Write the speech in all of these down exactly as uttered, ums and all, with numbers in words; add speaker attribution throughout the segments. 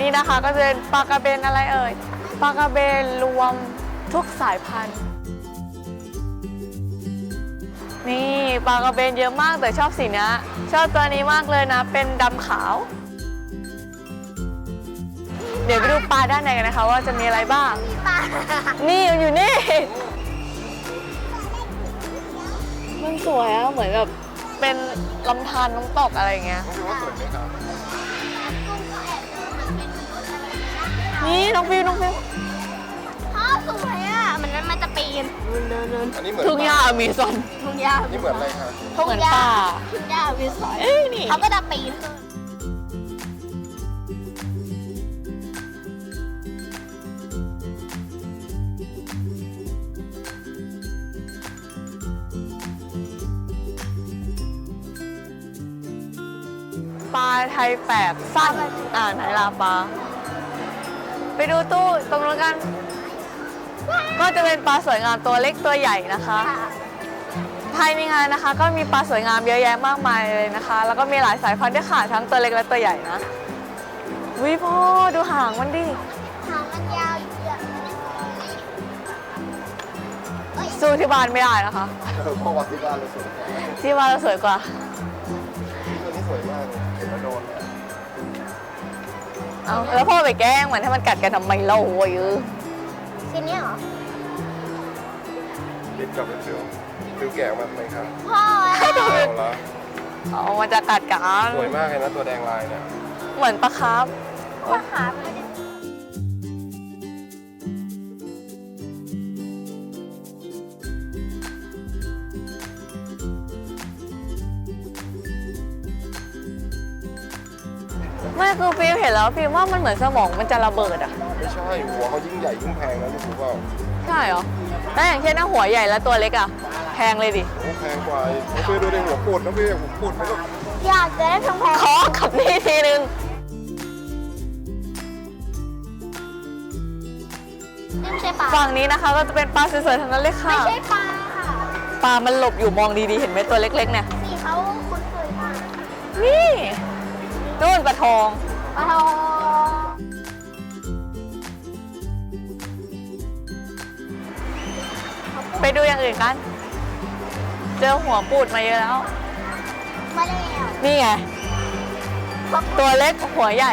Speaker 1: นี่นะคะก็จะเป็นปลากระเบนอะไรเอ่ยปลากระเบนรวมทุกสายพันธุ์นี่ปลากระเบนเยอะมากแต่ชอบสีนี้ชอบตัวนี้มากเลยนะเป็นดำขาวเดี๋ยวไปดูปลาด้านในกันนะคะว่าจะมีอะไรบ้างนี่อยู่นี่มันสวยอะเหมือนแบบเป็นลำธารน้ำตกอะไรอย่างเงี้ยนี่น้องฟิวน้องฟิว
Speaker 2: พ่อสวยอ่ะมันมันจะปีน
Speaker 3: อันนี้เหมือน
Speaker 1: ทุ่งหญ้าอเมซอน
Speaker 2: ทุ่งหญ้า
Speaker 3: นี่เหมือนอะไรคะ
Speaker 1: เหมือนป่า
Speaker 2: ทุ่งหญ้าวิสอย
Speaker 1: เอ้ยนี่
Speaker 2: เขาก็จะปีน
Speaker 1: ปลาไทยแปลกสั้นอ่าไหนลาปลาไปดูตู้ตรงนู้นกันก็จะเป็นปลาสวยงามตัวเล็กตัวใหญ่นะคะภายในงานนะคะก็มีปลาสวยงามเยอะแยะมากมายเลยนะคะแล้วก็มีหลายสายพันธุ์ด้วยค่ะทั้งตัวเล็กและตัวใหญ่นะวิพ่อดูหางมันดิ
Speaker 2: หางมันยาวเยอะ
Speaker 1: สู้ที่บ้านไม่ได้นะคะ
Speaker 3: เออพ่อวัดที่บ้านเราสวยกว่า
Speaker 1: ที่บ้านเราสวยกว่า
Speaker 3: ตัวนี้สวยมากเลยเห็นแล้วโดนเลย
Speaker 1: เอาแล้วพ่อไปแกล้งมันให้มันกัดกันทำไมเล่าโว้ยเออ
Speaker 2: ทีนี้เหรอ
Speaker 3: ติดกับเป็นฟิวฟิวแก่มาทำไมครับ
Speaker 2: พ่อ
Speaker 3: เอาละ
Speaker 1: เอามันจะกัดกัน
Speaker 3: สวยมากเลยนะตัวแดงลายเนี่ย
Speaker 1: เหมือนปลาคาร์ฟ
Speaker 2: พ่อขาไม่ได้
Speaker 1: ไม่คือฟิล์มเห็นแล้วฟิล์มว่ามันเหมือนสมองมันจะระเบิดอ่ะ
Speaker 3: ไม่ใช่หัวเขายิ่งใหญ่ยิ่งแพงนะนี่รู้เปล่า
Speaker 1: ใช่เหรอแล้วอย่างเช่นถ้าหัวใหญ่แล้วตัวเล็กอ่ะแพงเลยดิ
Speaker 3: โอ้แพงกว่าน้องฟิวดูในหัวปูดน้องฟิวหัวปูดไหมลูก
Speaker 2: อยากจะได้แพง
Speaker 1: ขอกับนี่ทีนึง
Speaker 2: ๆนี่ไม่ใช่ปลา
Speaker 1: ฝั่งนี้นะคะก็จะเป็นปลาสวยๆทั้งนั้นเลยค่ะ
Speaker 2: ไม่ใช่ปลาค่ะ
Speaker 1: ปลามันหลบอยู่มองดีๆเห็นไหมตัวเล็กๆเนี่ย
Speaker 2: สีเขาคุ้นเคยมาก
Speaker 1: นี่นู่นปลาทอง
Speaker 2: ปลาทอง
Speaker 1: ไปดูอย่างอื่นกัน เจอหัวปูดมาเยอะแล้ว
Speaker 2: มาแล้ว
Speaker 1: นี่ไงตัวเล็กหัวใหญ่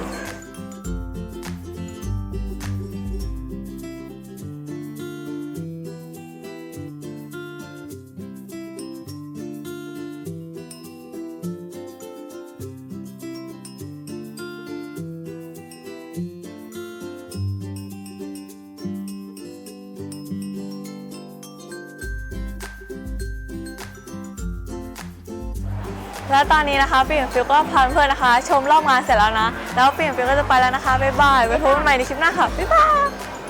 Speaker 1: แล้วตอนนี้นะคะฟิล์มฟิลก็พาเพื่อนๆนะคะ ชมรอบงานเสร็จแล้วนะ แล้วฟิล์มฟิลก็จะไปแล้วนะคะบ๊ายบายไว้พบกันใหม่ในคลิปหน้าค่ะบ๊ายบาย